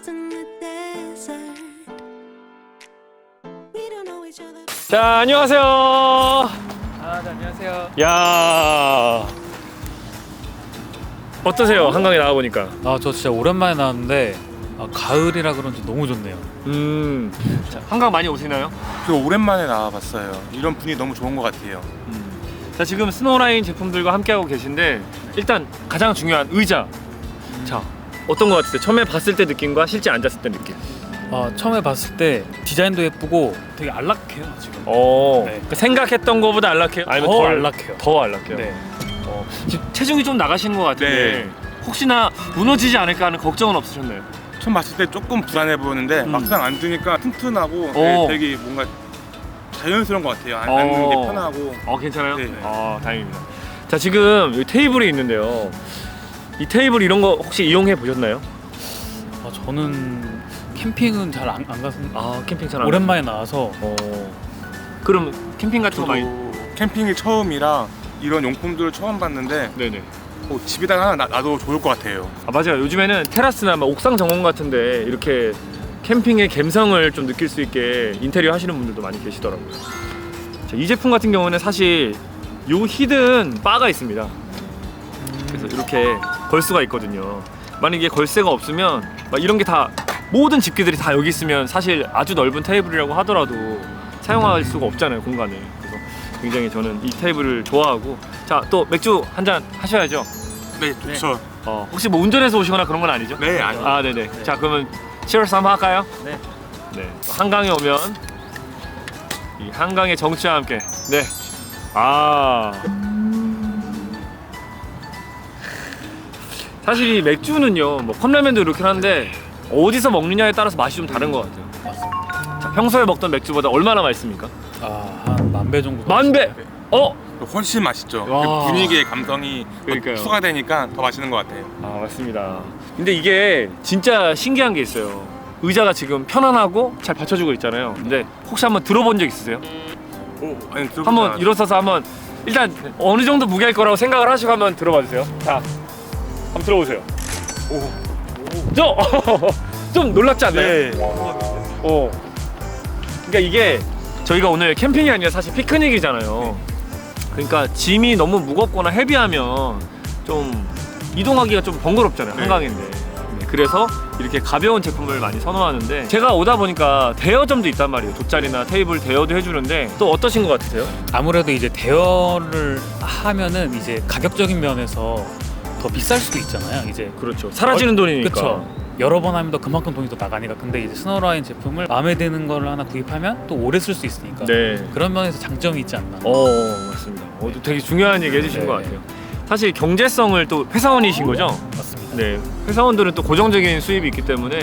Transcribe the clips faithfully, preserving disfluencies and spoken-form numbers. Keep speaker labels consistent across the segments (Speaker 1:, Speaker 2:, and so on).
Speaker 1: 자, 안녕하세요.
Speaker 2: 아, 네, 안녕하세요.
Speaker 1: 야, 어떠세요? 한강에 나와 보니까.
Speaker 2: 아, 저 진짜 오랜만에 나왔는데 아, 가을이라 그런지 너무 좋네요.
Speaker 1: 음, 자, 한강 많이 오시나요?
Speaker 3: 저 오랜만에 나와봤어요. 이런 분위기 너무 좋은 것 같아요.
Speaker 1: 음. 자, 지금 스노우라인 제품들과 함께하고 계신데 일단 가장 중요한 의자. 자, 어떤 것 같으세요? 처음에 봤을 때 느낌과 실제 앉았을 때 느낌.
Speaker 2: 아, 처음에 봤을 때 디자인도 예쁘고 되게 안락해요 지금.
Speaker 1: 어,
Speaker 2: 네.
Speaker 1: 그 생각했던 것보다 안락해요? 아니면
Speaker 2: 더
Speaker 1: 덜
Speaker 2: 안락해요.
Speaker 1: 더 안락해요?
Speaker 2: 네.
Speaker 1: 어, 지금 체중이 좀 나가시는 것 같은데
Speaker 3: 네.
Speaker 1: 혹시나 무너지지 않을까 하는 걱정은 없으셨나요?
Speaker 3: 처음 봤을 때 조금 불안해 보였는데
Speaker 1: 음.
Speaker 3: 막상 앉으니까 튼튼하고
Speaker 1: 오.
Speaker 3: 네, 되게 뭔가 자연스러운 것 같아요. 앉-
Speaker 1: 어.
Speaker 3: 앉는 게 편하고.
Speaker 1: 어, 괜찮아요?
Speaker 3: 네.
Speaker 1: 아, 다행입니다. 자, 지금 여기 테이블이 있는데요. 이 테이블 이런 거 혹시 이용해 보셨나요?
Speaker 2: 아, 저는 캠핑은 잘 안 안 가서
Speaker 1: 아, 캠핑 잘 안
Speaker 2: 오랜만에 나와서
Speaker 1: 어. 그럼 캠핑 같은 거
Speaker 3: 저도
Speaker 1: 많이
Speaker 3: 캠핑이 처음이라 이런 용품들을 처음 봤는데
Speaker 1: 네네.
Speaker 3: 어, 집에다 하나 놔- 놔도 좋을 것 같아요.
Speaker 1: 아, 맞아요. 요즘에는 테라스나 막 옥상 정원 같은데 이렇게 캠핑의 감성을 좀 느낄 수 있게 인테리어 하시는 분들도 많이 계시더라고요. 자, 이 제품 같은 경우는 사실 요 히든 바가 있습니다. 그래서 이렇게 걸 수가 있거든요. 만약에 걸쇠가 없으면 막 이런 게 다 모든 집기들이 다 여기 있으면 사실 아주 넓은 테이블이라고 하더라도 사용할 수가 없잖아요, 공간을. 그래서 굉장히 저는 이 테이블을 좋아하고. 자, 또 맥주 한 잔 하셔야죠.
Speaker 3: 네, 좋죠.
Speaker 1: 어, 혹시 뭐 운전해서 오시거나 그런 건 아니죠?
Speaker 3: 네, 아니.
Speaker 1: 아, 네네. 자, 그러면 치얼스 한번 할까요?
Speaker 2: 네.
Speaker 1: 네. 한강에 오면 이 한강의 정취와 함께. 네. 아. 사실 이 맥주는요, 뭐 컵라면도 이렇게 하는데 어디서 먹느냐에 따라서 맛이 좀 다른 것 같아요.
Speaker 2: 맞습니다.
Speaker 1: 자, 평소에 먹던 맥주보다 얼마나 맛있습니까?
Speaker 2: 아, 한 만 배 정도.
Speaker 1: 만 배.
Speaker 2: 맛있어요.
Speaker 1: 어?
Speaker 3: 훨씬 맛있죠.
Speaker 1: 와.
Speaker 3: 그 분위기의 감성이 더
Speaker 1: 그러니까요.
Speaker 3: 추가되니까 더 맛있는 것 같아요.
Speaker 1: 아, 맞습니다. 근데 이게 진짜 신기한 게 있어요. 의자가 지금 편안하고 잘 받쳐주고 있잖아요. 근데 혹시 한번 들어본 적 있으세요?
Speaker 3: 오, 아니, 들어보지
Speaker 1: 한번
Speaker 3: 않았어요.
Speaker 1: 일어서서 한번 일단 어느 정도 무게일 거라고 생각을 하시고 한번 들어봐 주세요. 자, 한번 들어보세요.
Speaker 3: 오.
Speaker 1: 저! 좀 놀랍지 않나요?
Speaker 3: 네.
Speaker 1: 어. 그러니까 이게 저희가 오늘 캠핑이 아니라 사실 피크닉이잖아요. 그러니까 짐이 너무 무겁거나 헤비하면 좀 이동하기가 좀 번거롭잖아요.
Speaker 3: 네.
Speaker 1: 한강인데. 네, 그래서 이렇게 가벼운 제품을 많이 선호하는데 제가 오다 보니까 대여점도 있단 말이에요. 돗자리나 테이블 대여도 해주는데 또 어떠신 것 같으세요?
Speaker 2: 아무래도 이제 대여를 하면은 이제 가격적인 면에서 더 비쌀 수도 있잖아요. 이제
Speaker 1: 그렇죠. 사라지는 돈이니까.
Speaker 2: 그렇죠. 여러 번 하면 더 그만큼 돈이 더 나가니까. 근데 이제 스노우라인 제품을 마음에 드는 거를 하나 구입하면 또 오래 쓸 수 있으니까.
Speaker 1: 네.
Speaker 2: 그런 면에서 장점이 있지 않나.
Speaker 1: 어, 맞습니다. 어, 또 되게 중요한 얘기 해주신
Speaker 2: 네.
Speaker 1: 것 같아요. 사실 경제성을 또 회사원이신 거죠?
Speaker 2: 맞습니다.
Speaker 1: 네. 회사원들은 또 고정적인 수입이 있기 때문에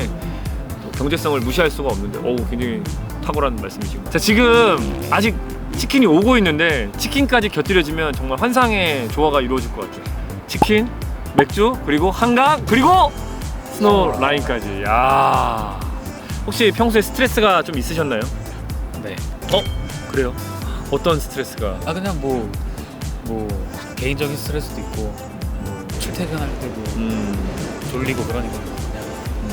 Speaker 1: 또 경제성을 무시할 수가 없는데, 오, 굉장히 탁월한 말씀이신 것 같아요. 자, 지금 아직 치킨이 오고 있는데 치킨까지 곁들여지면 정말 환상의 조화가 이루어질 것 같아요. 치킨, 맥주, 그리고 한강, 그리고 스노우 라인까지. 야, 혹시 평소에 스트레스가 좀 있으셨나요?
Speaker 2: 네.
Speaker 1: 어? 그래요? 어떤 스트레스가?
Speaker 2: 아, 그냥 뭐, 뭐 개인적인 스트레스도 있고 뭐 출퇴근할 때도
Speaker 1: 음,
Speaker 2: 졸리고 그러니까 그냥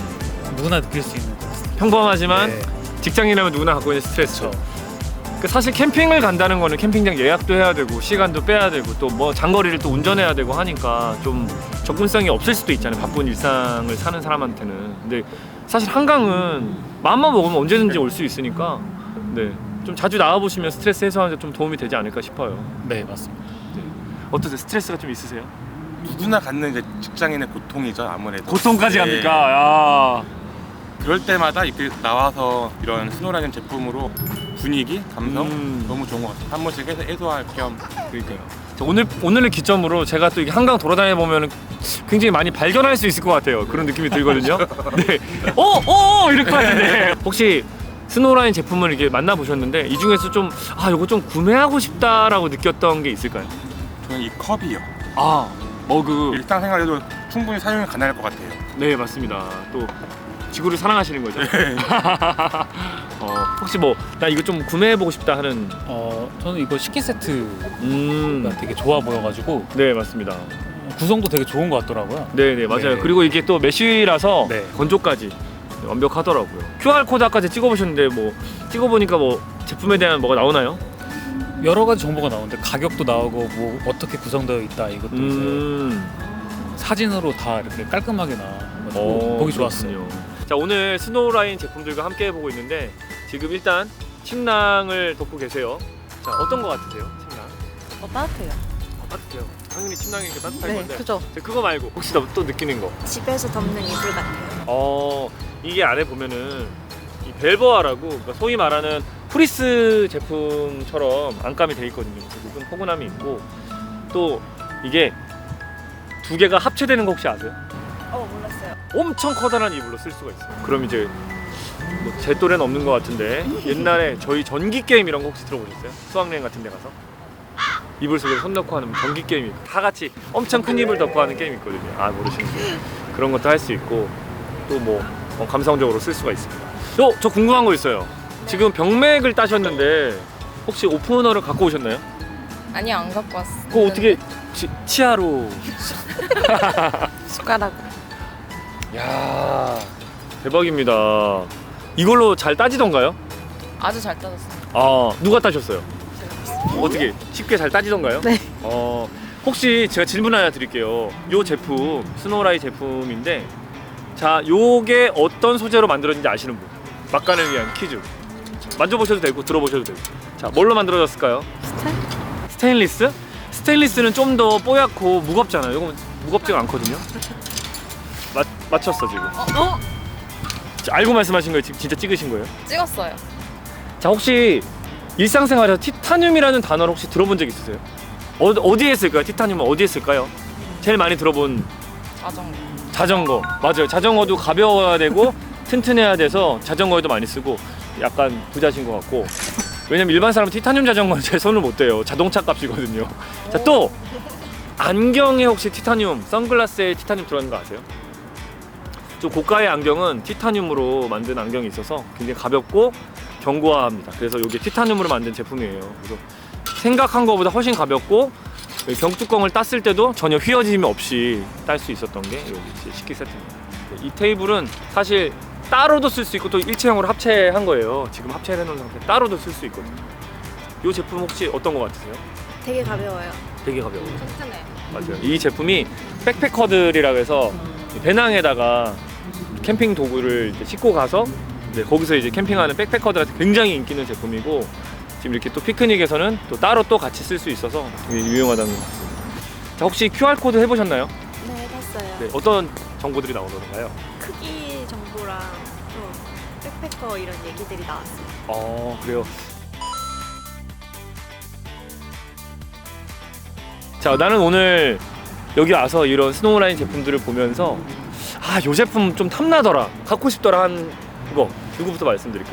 Speaker 1: 음.
Speaker 2: 누구나 느낄 수 있는 그런 스트레스.
Speaker 1: 평범하지만
Speaker 2: 네.
Speaker 1: 직장인이라면 누구나 갖고 있는 스트레스죠.
Speaker 2: 그렇죠.
Speaker 1: 그 사실 캠핑을 간다는 거는 캠핑장 예약도 해야 되고 시간도 빼야 되고 또 뭐 장거리를 또 운전해야 되고 하니까 좀 접근성이 없을 수도 있잖아요. 바쁜 일상을 사는 사람한테는. 근데 사실 한강은 마음만 먹으면 언제든지 올 수 있으니까 네, 좀 자주 나와 보시면 스트레스 해소하는 데 좀 도움이 되지 않을까 싶어요.
Speaker 2: 네, 맞습니다.
Speaker 1: 어떠세요? 스트레스가 좀 있으세요?
Speaker 3: 누구나 갖는 이제 직장인의 고통이죠, 아무래도.
Speaker 1: 고통까지
Speaker 3: 네.
Speaker 1: 갑니까? 야.
Speaker 3: 그럴 때마다 이렇게 나와서 이런 스노우라인 제품으로 분위기, 감성
Speaker 1: 음.
Speaker 3: 너무 좋은 것 같아요. 한 번씩 해서 해소할 겸.
Speaker 1: 그러니까요. 자, 오늘 오늘을 기점으로 제가 또 이게 한강 돌아다녀 보면 굉장히 많이 발견할 수 있을 것 같아요. 그런 느낌이 들거든요. 네. 어, 어, 이럴 것 같은데. 혹시 스노우라인 제품을 이렇게 만나 보셨는데 이 중에서 좀 아, 이거 좀 구매하고 싶다라고 느꼈던 게 있을까요?
Speaker 3: 저는 이 컵이요.
Speaker 1: 아, 머그.
Speaker 3: 일상생활에도 충분히 사용이 가능할 것 같아요.
Speaker 1: 네, 맞습니다. 또 지구를 사랑하시는 거죠? 어, 혹시 뭐 나 이거 좀 구매해 보고 싶다 하는.
Speaker 2: 어, 저는 이거 식기 세트가
Speaker 1: 음,
Speaker 2: 되게 좋아 보여가지고
Speaker 1: 네, 맞습니다.
Speaker 2: 구성도 되게 좋은 것 같더라고요.
Speaker 1: 네, 네, 맞아요.
Speaker 2: 네.
Speaker 1: 그리고 이게 또 메쉬라서
Speaker 2: 네.
Speaker 1: 건조까지 완벽하더라고요. 큐알 코드 아까 제가 찍어보셨는데 뭐 찍어보니까 뭐 제품에 대한 뭐가 나오나요?
Speaker 2: 여러 가지 정보가 나오는데 가격도 나오고 뭐 어떻게 구성되어 있다 이것도
Speaker 1: 음.
Speaker 2: 이제 사진으로 다 이렇게 깔끔하게 나와가지고
Speaker 1: 어,
Speaker 2: 보기 좋았어요.
Speaker 1: 그렇군요. 자, 오늘 스노우라인 제품들과 함께 해보고 있는데 지금 일단 침낭을 덮고 계세요. 자, 어떤 거 같으세요? 침낭?
Speaker 4: 어, 따뜻해요.
Speaker 1: 어, 따뜻해요. 당연히 침낭이 이렇게 따뜻할
Speaker 4: 네,
Speaker 1: 건데.
Speaker 4: 그죠.
Speaker 1: 자, 그거 말고 혹시 또, 또 느끼는 거?
Speaker 4: 집에서 덮는 이불 같아요.
Speaker 1: 어, 이게 안에 보면은 이 벨버아라고, 그러니까 소위 말하는 프리스 제품처럼 안감이 돼 있거든요. 그래서 조금 포근함이 있고, 또 이게 두 개가 합체되는 거 혹시 아세요?
Speaker 4: 어, 몰랐어요.
Speaker 1: 엄청 커다란 이불로 쓸 수가 있어요. 그럼 이제 뭐 제 또래는 없는 것 같은데 옛날에 저희 전기 게임 이런 거 혹시 들어보셨어요? 수학여행 같은 데 가서 이불 속에 손 넣고 하는 전기 게임이 다 같이 엄청 큰 이불 덮고 하는 게임이 있거든요. 아, 모르시는데 그런 것도 할 수 있고 또 뭐 어, 감성적으로 쓸 수가 있습니다. 어, 저 궁금한 거 있어요. 지금 병맥을 따셨는데 혹시 오프너를 갖고 오셨나요?
Speaker 5: 아니 안 갖고 왔어.
Speaker 1: 그거 어떻게 치, 치아로?
Speaker 5: 숟가락.
Speaker 1: 야, 대박입니다. 이걸로 잘 따지던가요?
Speaker 5: 아주 잘 따졌어.
Speaker 1: 아, 누가 따셨어요? 어떻게 쉽게 잘 따지던가요?
Speaker 4: 네.
Speaker 1: 어, 혹시 제가 질문 하나 드릴게요. 요 제품 스노우라이 제품인데, 자, 요게 어떤 소재로 만들어진지 아시는 분? 막간을 위한 퀴즈. 만져보셔도 되고 들어보셔도 되고. 자, 뭘로 만들어졌을까요?
Speaker 4: 스타일?
Speaker 1: 스테인리스? 스테인리스는 좀 더 뽀얗고 무겁잖아요. 이건 무겁지가 않거든요. 맞 맞췄어 지금.
Speaker 5: 어?
Speaker 1: 자, 알고 말씀하신 거예요? 지금 진짜 찍으신 거예요?
Speaker 5: 찍었어요.
Speaker 1: 자, 혹시 일상생활에서 티타늄이라는 단어를 혹시 들어본 적 있으세요? 어, 어디에 쓸까요? 티타늄은 어디에 쓸까요? 제일 많이 들어본
Speaker 5: 자전거.
Speaker 1: 자전거. 맞아요. 자전거도 가벼워야 되고 튼튼해야 돼서 자전거에도 많이 쓰고 약간 부자신 것 같고, 왜냐면 일반 사람은 티타늄 자전거는 제 손을 못 대요. 자동차 값이거든요. 자, 또 안경에 혹시 티타늄, 선글라스에 티타늄 들어가는 거 아세요? 좀 고가의 안경은 티타늄으로 만든 안경이 있어서 굉장히 가볍고 견고합니다. 그래서 이게 티타늄으로 만든 제품이에요. 그래서 생각한 것보다 훨씬 가볍고 병뚜껑을 땄을 때도 전혀 휘어짐이 없이 딸 수 있었던 게 여기 식기 세트입니다. 이 테이블은 사실 따로도 쓸 수 있고 또 일체형으로 합체한 거예요. 지금 합체해 놓은 상태 따로도 쓸 수 있거든요. 이 제품 혹시 어떤 거 같으세요?
Speaker 4: 되게 가벼워요.
Speaker 1: 되게 가벼워요.
Speaker 5: 튼튼해.
Speaker 1: 맞아요. 이 제품이 백패커들이라고 해서 배낭에다가 캠핑 도구를 이제 싣고 가서 이제 거기서 이제 캠핑하는 백패커들한테 굉장히 인기 있는 제품이고, 지금 이렇게 또 피크닉에서는 또 따로 또 같이 쓸 수 있어서 되게 유용하다는 것 같습니다. 자, 혹시 큐알 코드 해보셨나요?
Speaker 4: 네, 했어요.
Speaker 1: 네, 어떤 정보들이 나오던가요?
Speaker 4: 크기 정보랑 또 백패커 이런 얘기들이 나왔어요.
Speaker 1: 어, 그래요. 자, 나는 오늘 여기 와서 이런 스노우라인 제품들을 보면서 아, 요 제품 좀 탐나더라, 갖고 싶더라 한 거 누구부터 말씀드릴까요?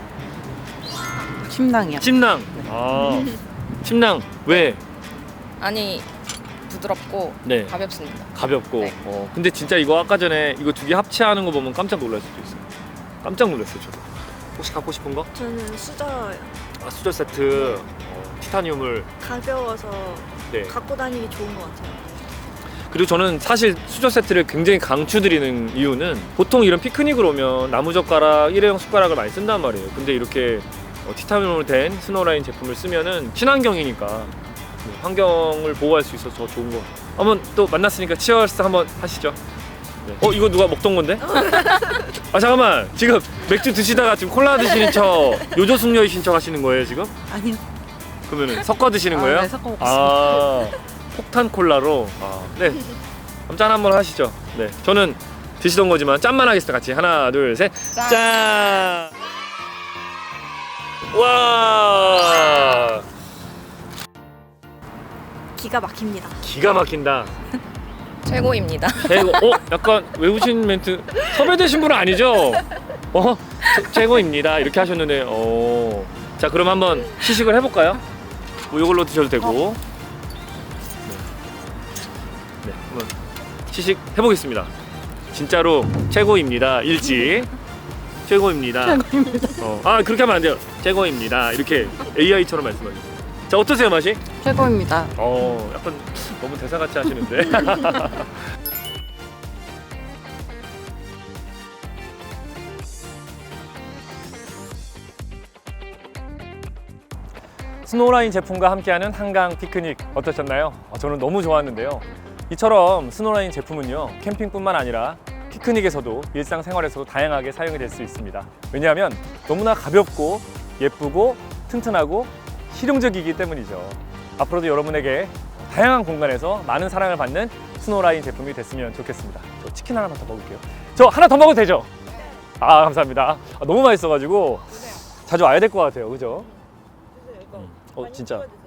Speaker 6: 침낭이요.
Speaker 1: 침낭. 아, 침낭 왜?
Speaker 5: 아니 부드럽고
Speaker 1: 네,
Speaker 5: 가볍습니다.
Speaker 1: 가볍고.
Speaker 5: 네.
Speaker 1: 어, 근데 진짜 이거 아까 전에 이거 두 개 합체하는 거 보면 깜짝 놀랄 수도 있어요. 깜짝 놀랐어요, 저도. 혹시 갖고 싶은 거?
Speaker 4: 저는 수저요.
Speaker 1: 아, 수저 세트. 어, 티타늄을.
Speaker 4: 가벼워서
Speaker 1: 네.
Speaker 4: 갖고 다니기 좋은 것 같아요.
Speaker 1: 그리고 저는 사실 수저 세트를 굉장히 강추드리는 이유는, 보통 이런 피크닉을 오면 나무젓가락, 일회용 숟가락을 많이 쓴단 말이에요. 근데 이렇게 어, 티타늄으로 된 스노우라인 제품을 쓰면은 친환경이니까 네, 환경을 보호할 수 있어서 더 좋은 거 같아요. 한번 또 만났으니까 치얼스 한번 하시죠. 네. 어, 이거 누가 먹던 건데? 아, 잠깐만, 지금 맥주 드시다가 지금 콜라 드시는 척, 요조숙녀이신 척 하시는 거예요 지금?
Speaker 6: 아니요.
Speaker 1: 그러면은 섞어 드시는
Speaker 6: 아,
Speaker 1: 거예요?
Speaker 6: 네, 섞어 먹겠습니다.
Speaker 1: 아, 폭탄 콜라로. 아, 네. 그럼 짠 한번 하시죠. 네, 저는 드시던 거지만 짠만 하겠습니다. 같이 하나, 둘, 셋.
Speaker 5: 짠.
Speaker 1: 짠. 와,
Speaker 4: 기가 막힙니다.
Speaker 1: 기가 막힌다.
Speaker 5: 최고입니다.
Speaker 1: 최고. 어, 약간 외우신 멘트. 섭외되신 분은 아니죠? 어, 최- 최고입니다. 이렇게 하셨는데, 어. 자, 그럼 한번 시식을 해볼까요? 뭐 이걸로 드셔도 되고. 네. 네, 한번 시식 해보겠습니다. 진짜로 최고입니다. 일지. 최고입니다.
Speaker 6: 최고입니다.
Speaker 1: 어, 아, 그렇게 하면 안 돼요. 최고입니다. 이렇게 에이아이처럼 말씀하세요. 자, 어떠세요, 맛이?
Speaker 6: 최고입니다.
Speaker 1: 어, 약간 너무 대사같이 하시는데. 스노우라인 제품과 함께하는 한강 피크닉 어떠셨나요? 어, 저는 너무 좋았는데요. 이처럼 스노우라인 제품은요, 캠핑뿐만 아니라 피크닉에서도 일상생활에서도 다양하게 사용이 될 수 있습니다. 왜냐하면 너무나 가볍고 예쁘고 튼튼하고 실용적이기 때문이죠. 앞으로도 여러분에게 다양한 공간에서 많은 사랑을 받는 스노우라인 제품이 됐으면 좋겠습니다. 저 치킨 하나만 더 먹을게요. 저 하나 더 먹어도 되죠? 아, 감사합니다. 아, 너무 맛있어가지고 자주 와야 될 것 같아요. 그죠? 음. 어, 진짜